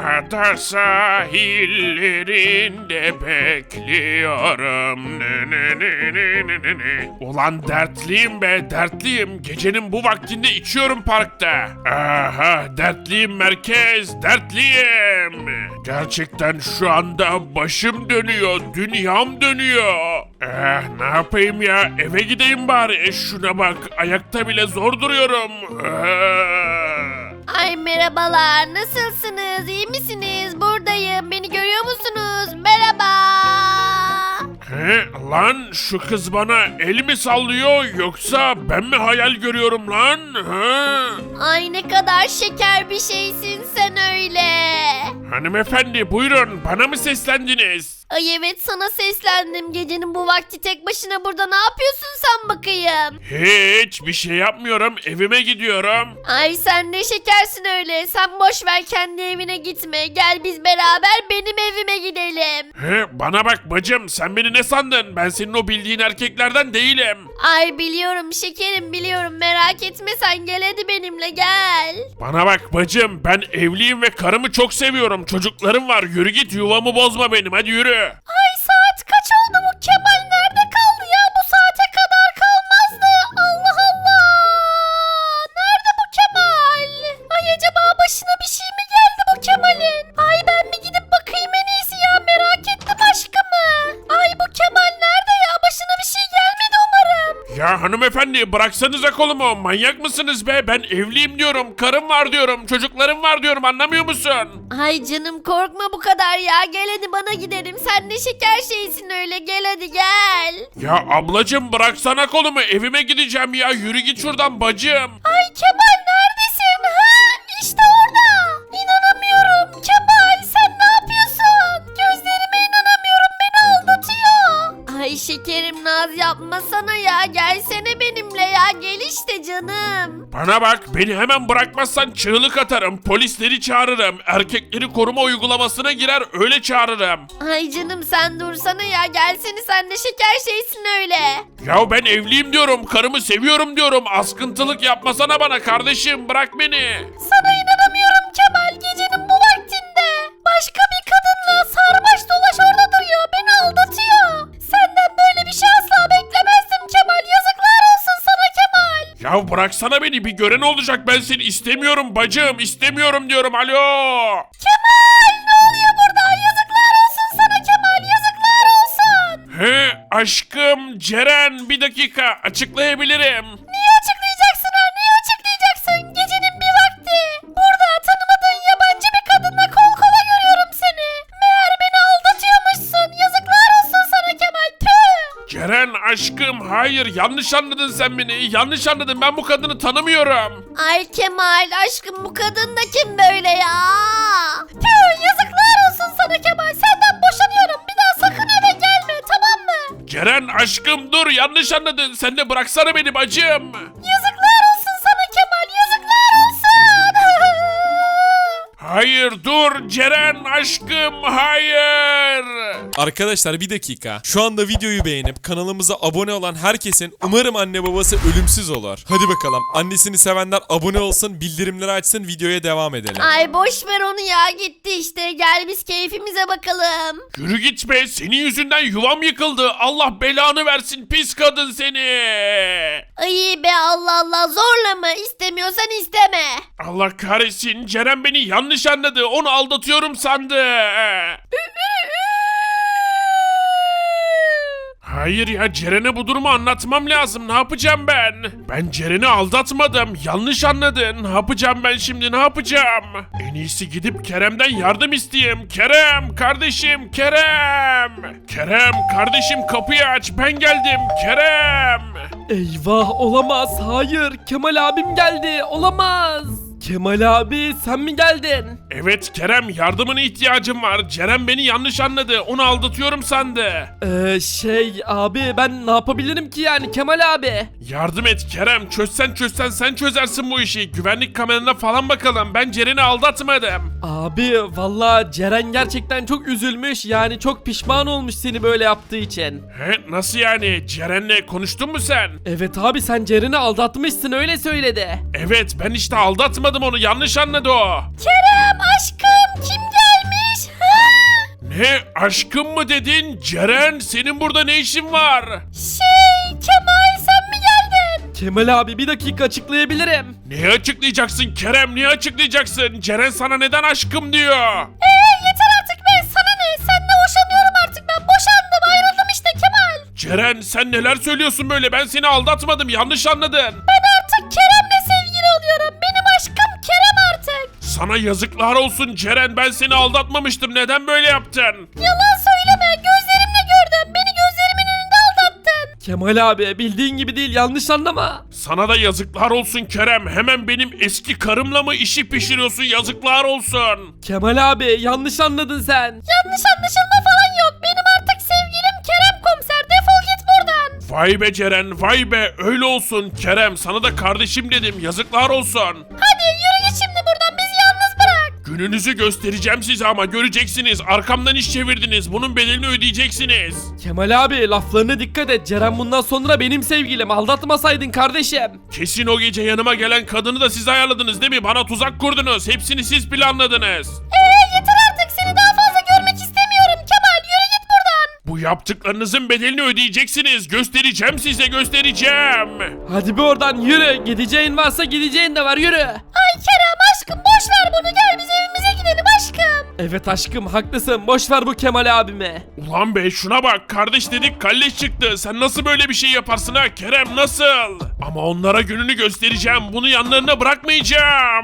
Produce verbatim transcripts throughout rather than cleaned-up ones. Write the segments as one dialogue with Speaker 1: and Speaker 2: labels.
Speaker 1: Ada sahillerinde bekliyorum. Ne, ne, ne, ne, ne, ne, ne. Ulan dertliyim be, dertliyim. Gecenin bu vaktinde içiyorum parkta. Aha, dertliyim merkez, dertliyim. Gerçekten şu anda başım dönüyor, dünyam dönüyor. Eh, ne yapayım ya, eve gideyim bari. E, şuna bak, ayakta bile zor duruyorum. Ah.
Speaker 2: Ay merhabalar, nasılsınız, iyi misiniz? Buradayım, beni görüyor musunuz? Merhaba.
Speaker 1: He, lan şu kız bana el mi sallıyor yoksa ben mi hayal görüyorum lan? Ha?
Speaker 2: Ay ne kadar şeker bir şeysin sen öyle.
Speaker 1: Hanımefendi buyurun, bana mı seslendiniz?
Speaker 2: Ay evet, sana seslendim. Gecenin bu vakti tek başına burada ne yapıyorsun sen bakayım?
Speaker 1: Hiç bir şey yapmıyorum, evime gidiyorum.
Speaker 2: Ay sen ne şekersin öyle. Sen boş ver, kendi evine gitme. Gel biz beraber benim evime gidelim.
Speaker 1: He, bana bak bacım, sen beni ne sandın? Ben senin o bildiğin erkeklerden değilim.
Speaker 2: Ay biliyorum şekerim, biliyorum, merak etme sen, gel hadi benimle gel.
Speaker 1: Bana bak bacım, ben evliyim ve karımı çok seviyorum. Çocuklarım var, yürü git, yuvamı bozma benim, hadi yürü.
Speaker 2: Ay saat kaç oldu, bu Kemal nerede kaldı ya? Bu saate kadar kalmazdı. Allah Allah. Nerede bu Kemal? Ay acaba başına bir şey mi geldi bu Kemal'in? Ay ben bir gidip bakayım en iyisi ya, merak ettim aşkımı. Ay bu Kemal nerede ya? Başına bir şey gelmedi umarım.
Speaker 1: Ya hanımefendi, bıraksanıza kolumu, manyak mısınız be? Ben evliyim diyorum, karım var diyorum, çocuklarım var diyorum, anlamıyor musun?
Speaker 2: Ay canım korkma bu kadar ya, gel hadi bana gidelim. Sen ne şeker şeysin öyle, gel hadi gel.
Speaker 1: Ya ablacım, bıraksana kolumu, evime gideceğim ya, yürü git şuradan bacım.
Speaker 2: Ay Kemal neredesin? Ha? İşte orada. İnanamıyorum. Kemal sen ne yapıyorsun? Gözlerime inanamıyorum, beni aldatıyor. Ay şekerim naz yapmasana ya, gelsene benimle ya, gel işte canım.
Speaker 1: Bana bak, beni hemen bırakmazsan çığlık atarım, polisleri çağırırım, erkekleri koruma uygulamasına girer öyle çağırırım.
Speaker 2: Ay canım sen dursana ya, gelsene, sen ne şeker şeysin öyle.
Speaker 1: Ya ben evliyim diyorum, karımı seviyorum diyorum, askıntılık yapmasana bana kardeşim, bırak beni.
Speaker 2: Sana inanamıyorum Kemal, gecenin bu vaktinde. Başka bir kadınla sarmaş dolaş orada duruyor, beni aldatıyor. Senden böyle bir şey asla beklemezdim Kemal, yazıklar olsun sana Kemal.
Speaker 1: Ya bıraksana beni, bir gören olacak, ben seni istemiyorum bacım, istemiyorum diyorum, alo.
Speaker 2: Kemal ne oluyor burada, yazıklar olsun sana Kemal, yazıklar olsun.
Speaker 1: He aşkım Ceren, bir dakika açıklayabilirim.
Speaker 2: Niye açıklayacaksın ha, niye açıklayacaksın? Gecenin bir vakti. Burada tanımadığın yabancı bir kadınla kol kola görüyorum seni. Meğer beni aldatıyormuşsun, yazıklar olsun sana Kemal, tüh.
Speaker 1: Ceren aşkım, hayır, yanlış anladın sen beni, yanlış anladın, ben bu kadını tanımıyorum.
Speaker 2: Ay Kemal aşkım, bu kadın da kim böyle ya? Tüh, yazıklar olsun sana Kemal, senden boşanıyorum, bir daha sakın eve gelme, tamam mı?
Speaker 1: Ceren aşkım dur, yanlış anladın, sen de bıraksana beni bacım.
Speaker 2: Yazıklar olsun sana Kemal, yazıklar olsun.
Speaker 1: Hayır dur Ceren aşkım, hayır.
Speaker 3: Arkadaşlar bir dakika. Şu anda videoyu beğenip kanalımıza abone olan herkesin umarım anne babası ölümsüz olur. Hadi bakalım. Annesini sevenler abone olsun, bildirimleri açsın, videoya devam edelim.
Speaker 2: Ay boş ver onu ya, gitti işte, gel biz keyfimize bakalım.
Speaker 1: Yürü git be, senin yüzünden yuvam yıkıldı, Allah belanı versin pis kadın seni.
Speaker 2: Ay be, Allah Allah, zorlama, istemiyorsan isteme.
Speaker 1: Allah kahretsin, Ceren beni yanlış anladı, onu aldatıyorum sandı. Hayır ya, Ceren'e bu durumu anlatmam lazım, ne yapacağım ben? Ben Ceren'i aldatmadım, yanlış anladın, ne yapacağım ben şimdi, ne yapacağım? En iyisi gidip Kerem'den yardım isteyeyim. Kerem kardeşim, Kerem. Kerem kardeşim, kapıyı aç, ben geldim Kerem.
Speaker 4: Eyvah, olamaz, hayır, Kemal abim geldi, olamaz. Kemal abi sen mi geldin?
Speaker 1: Evet Kerem, yardımına ihtiyacım var. Ceren beni yanlış anladı, onu aldatıyorum sandı.
Speaker 4: Ee, şey abi ben ne yapabilirim ki yani Kemal abi?
Speaker 1: Yardım et Kerem, çözsen çözsen sen çözersin bu işi. Güvenlik kameralarına falan bakalım, ben Ceren'i aldatmadım.
Speaker 4: Abi valla Ceren gerçekten çok üzülmüş, yani çok pişman olmuş seni böyle yaptığı için.
Speaker 1: He, nasıl yani, Ceren'le konuştun mu sen?
Speaker 4: Evet abi, sen Ceren'i aldatmışsın, öyle söyledi.
Speaker 1: Evet, ben işte aldatmadım onu, yanlış anladı o.
Speaker 2: Kerem aşkım, kim geldi?
Speaker 1: aşkım mı dedin? Ceren senin burada ne işin var?
Speaker 2: Şey Kemal sen mi geldin?
Speaker 4: Kemal abi bir dakika açıklayabilirim.
Speaker 1: Neyi açıklayacaksın Kerem? Niye açıklayacaksın? Ceren sana neden aşkım diyor?
Speaker 2: Eee yeter artık be sana ne? Seninle boşanıyorum artık ben boşandım ayrıldım işte Kemal.
Speaker 1: Ceren sen neler söylüyorsun böyle? Ben seni aldatmadım, yanlış anladın.
Speaker 2: Ben artık Kerem'le sevgili oluyorum. Benim aşkım Kerem artık.
Speaker 1: Sana yazıklar olsun Ceren, ben seni aldatmamıştım. Neden böyle yaptın?
Speaker 2: Yalan söyleme gözlerimle gördüm. Beni gözlerimin önünde aldattın.
Speaker 4: Kemal abi bildiğin gibi değil yanlış anlama.
Speaker 1: Sana da yazıklar olsun Kerem. Hemen benim eski karımla mı işi pişiriyorsun? Yazıklar olsun.
Speaker 4: Kemal abi yanlış anladın sen.
Speaker 2: Yanlış anlaşılma falan yok. Benim artık sevgilim Kerem komiser. Defol git buradan.
Speaker 1: Vay be Ceren, vay be. Öyle olsun Kerem. Sana da kardeşim dedim. Yazıklar olsun.
Speaker 2: Hadi yürü git şimdi buradan bizi yalnız bırak.
Speaker 1: Gününüzü göstereceğim size ama göreceksiniz. Arkamdan iş çevirdiniz. Bunun bedelini ödeyeceksiniz.
Speaker 4: Kemal abi laflarına dikkat et. Ceren bundan sonra benim sevgilim. Aldatmasaydın kardeşim.
Speaker 1: Kesin o gece yanıma gelen kadını da siz ayarladınız değil mi? Bana tuzak kurdunuz. Hepsini siz planladınız.
Speaker 2: Eee yeter artık seni daha fazla görmek istemiyorum Kemal. Yürü git buradan.
Speaker 1: Bu yaptıklarınızın bedelini ödeyeceksiniz. Göstereceğim size, göstereceğim.
Speaker 4: Hadi bir oradan yürü. Gideceğin varsa gideceğin de var yürü.
Speaker 2: Ay Kerem aşkım boş ver bunu gel biz evimize gidelim aşkım.
Speaker 4: Evet aşkım haklısın. Boş ver bu Kemal abimi.
Speaker 1: Ulan be şuna bak, kardeş dedik kalleş çıktı. Sen nasıl böyle bir şey yaparsın ha Kerem, nasıl? Ama onlara gününü göstereceğim. Bunu yanlarına bırakmayacağım.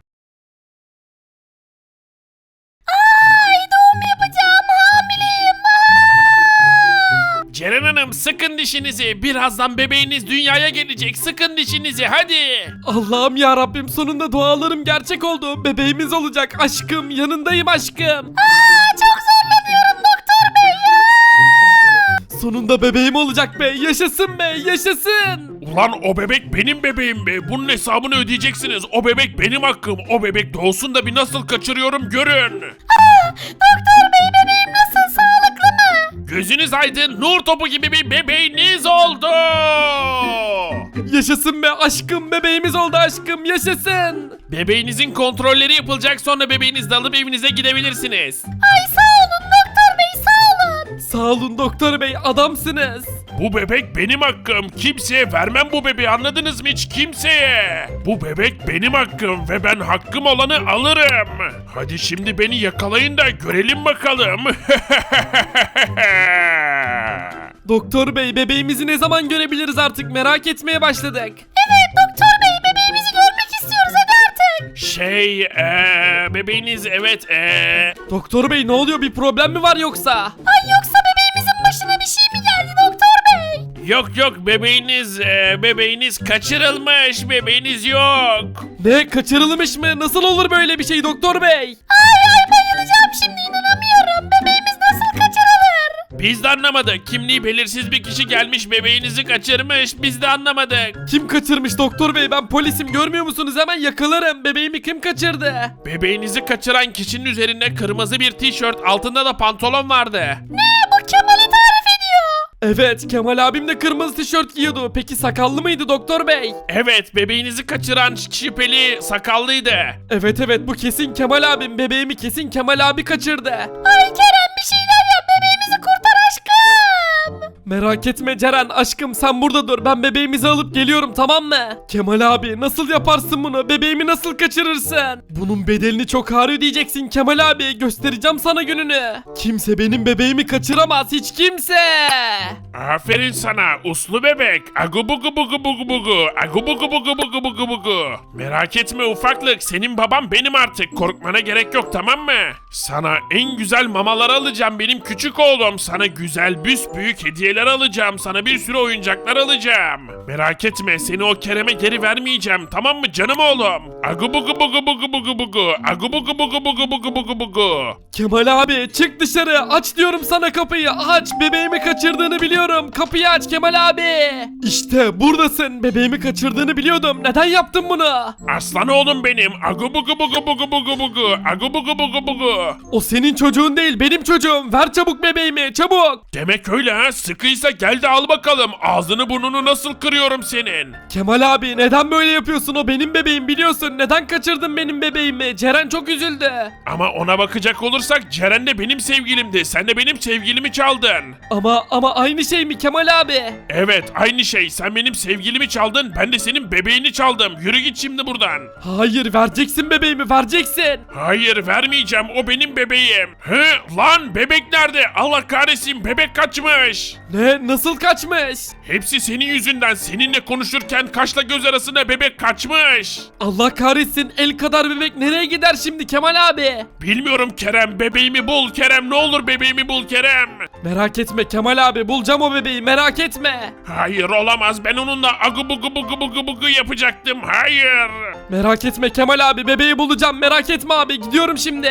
Speaker 2: Ay doğum yapacağım hamileyim. Aa!
Speaker 1: Ceren Hanım sıkın dişinizi. Birazdan bebeğiniz dünyaya gelecek. Sıkın dişinizi hadi.
Speaker 4: Allah'ım ya Rabbim sonunda dualarım gerçek oldu. Bebeğimiz olacak aşkım. Yanındayım aşkım.
Speaker 2: Aa, çok zorlanıyorum doktor bey ya.
Speaker 4: Sonunda bebeğim olacak be. Yaşasın be. Yaşasın.
Speaker 1: Ulan o bebek benim bebeğim be. Bunun hesabını ödeyeceksiniz. O bebek benim hakkım. O bebek doğsun da bir nasıl kaçırıyorum görün.
Speaker 2: Doktor bey bebeğim nasıl sağlıklı mı?
Speaker 1: Gözünüz aydın, nur topu gibi bir bebeğiniz oldu.
Speaker 4: Yaşasın be aşkım. Bebeğimiz oldu aşkım. Yaşasın.
Speaker 1: Bebeğinizin kontrolleri yapılacak, sonra bebeğinizi de alıp evinize gidebilirsiniz.
Speaker 2: Ay sağ olun doktor bey sağ olun.
Speaker 4: Sağ olun doktor bey. Adamsınız.
Speaker 1: Bu bebek benim hakkım. Kimseye vermem bu bebeği, anladınız mı hiç kimseye? Bu bebek benim hakkım ve ben hakkım olanı alırım. Hadi şimdi beni yakalayın da görelim bakalım.
Speaker 4: Doktor bey bebeğimizi ne zaman görebiliriz artık merak etmeye başladık.
Speaker 2: Evet doktor bey bebeğimizi görmek istiyoruz hadi artık.
Speaker 1: Şey, ee, bebeğiniz evet, ee...
Speaker 4: Doktor bey ne oluyor bir problem mi var yoksa?
Speaker 2: Ay yoksa bebeğimizin başına bir şey mi geldi doktor bey?
Speaker 1: Yok yok, bebeğiniz, ee, bebeğiniz kaçırılmış, bebeğiniz yok.
Speaker 4: Ne kaçırılmış mı? Nasıl olur böyle bir şey doktor bey?
Speaker 2: Ay ay bayılacağım şimdi inanamıyorum. Bebeğimiz nasıl kaçırılır?
Speaker 1: Biz de anlamadık. Kimliği belirsiz bir kişi gelmiş, bebeğinizi kaçırmış. Biz de anlamadık.
Speaker 4: Kim kaçırmış doktor bey? Ben polisim görmüyor musunuz? Hemen yakalarım. Bebeğimi kim kaçırdı?
Speaker 1: Bebeğinizi kaçıran kişinin üzerinde kırmızı bir tişört, altında da pantolon vardı.
Speaker 2: Ne bu Kemal'i tarif ediyor.
Speaker 4: Evet Kemal abim de kırmızı tişört giyiyordu. Peki sakallı mıydı doktor bey?
Speaker 1: Evet, bebeğinizi kaçıran şüpheli sakallıydı.
Speaker 4: Evet evet bu kesin Kemal abim. Bebeğimi kesin Kemal abi kaçırdı.
Speaker 2: Ay Kerem bir şeyler yap bebeğimizi kurtar aşkım.
Speaker 4: Merak etme Ceren aşkım sen burada dur. Ben bebeğimizi alıp geliyorum tamam mı? Kemal abi nasıl yaparsın bunu? Bebeğimi nasıl kaçırırsın? Bunun bedelini çok ağır ödeyeceksin Kemal abi. Göstereceğim sana gününü. Kimse benim bebeğimi kaçıramaz hiç kimse.
Speaker 1: Aferin sana uslu bebek. Agu bugu bugu bugu bugu. Agu bugu bugu bugu bugu bugu. Merak etme ufaklık, senin babam benim artık. Korkmana gerek yok, tamam mı? Sana en güzel mamalar alacağım benim küçük oğlum. Sana güzel büyük hediyeler alacağım. Sana bir sürü oyuncaklar alacağım. Merak etme, seni o Kerem'e geri vermeyeceğim, tamam mı canım oğlum? Agu bugu bugu bugu bugu bugu. Agu bugu bugu bugu bugu bugu bugu.
Speaker 4: Kemal abi çık dışarı. Aç diyorum sana kapıyı. Aç bebeğimi kaçırdığını biliyorum. Kapıyı aç Kemal abi. İşte buradasın. Bebeğimi kaçırdığını biliyordum. Neden yaptın bunu?
Speaker 1: Aslan oğlum benim. Agu bugu bugu bugu bugu bugu. Agu bugu bugu bugu.
Speaker 4: O senin çocuğun değil benim çocuğum. Ver çabuk bebeğimi çabuk.
Speaker 1: Demek öyle ha, sıkı haklıysa gel de al bakalım. Ağzını burnunu nasıl kırıyorum senin.
Speaker 4: Kemal abi neden böyle yapıyorsun? O benim bebeğim biliyorsun. Neden kaçırdın benim bebeğimi? Ceren çok üzüldü.
Speaker 1: Ama ona bakacak olursak Ceren de benim sevgilimdi. Sen de benim sevgilimi çaldın.
Speaker 4: Ama ama aynı şey mi Kemal abi?
Speaker 1: Evet aynı şey. Sen benim sevgilimi çaldın. Ben de senin bebeğini çaldım. Yürü git şimdi buradan.
Speaker 4: Hayır vereceksin bebeğimi vereceksin.
Speaker 1: Hayır vermeyeceğim. O benim bebeğim. Hı? Lan bebek nerede? Allah kahretsin bebek kaçmış.
Speaker 4: Ne? Nasıl kaçmış?
Speaker 1: Hepsi senin yüzünden. Seninle konuşurken kaşla göz arasında bebek kaçmış.
Speaker 4: Allah kahretsin el kadar bebek nereye gider şimdi Kemal abi?
Speaker 1: Bilmiyorum Kerem. Bebeğimi bul Kerem. Ne olur bebeğimi bul Kerem.
Speaker 4: Merak etme Kemal abi bulacağım o bebeği merak etme.
Speaker 1: Hayır olamaz. Ben onunla agı bugu bugu bugu bugu yapacaktım. Hayır.
Speaker 4: Merak etme Kemal abi bebeği bulacağım merak etme abi gidiyorum şimdi.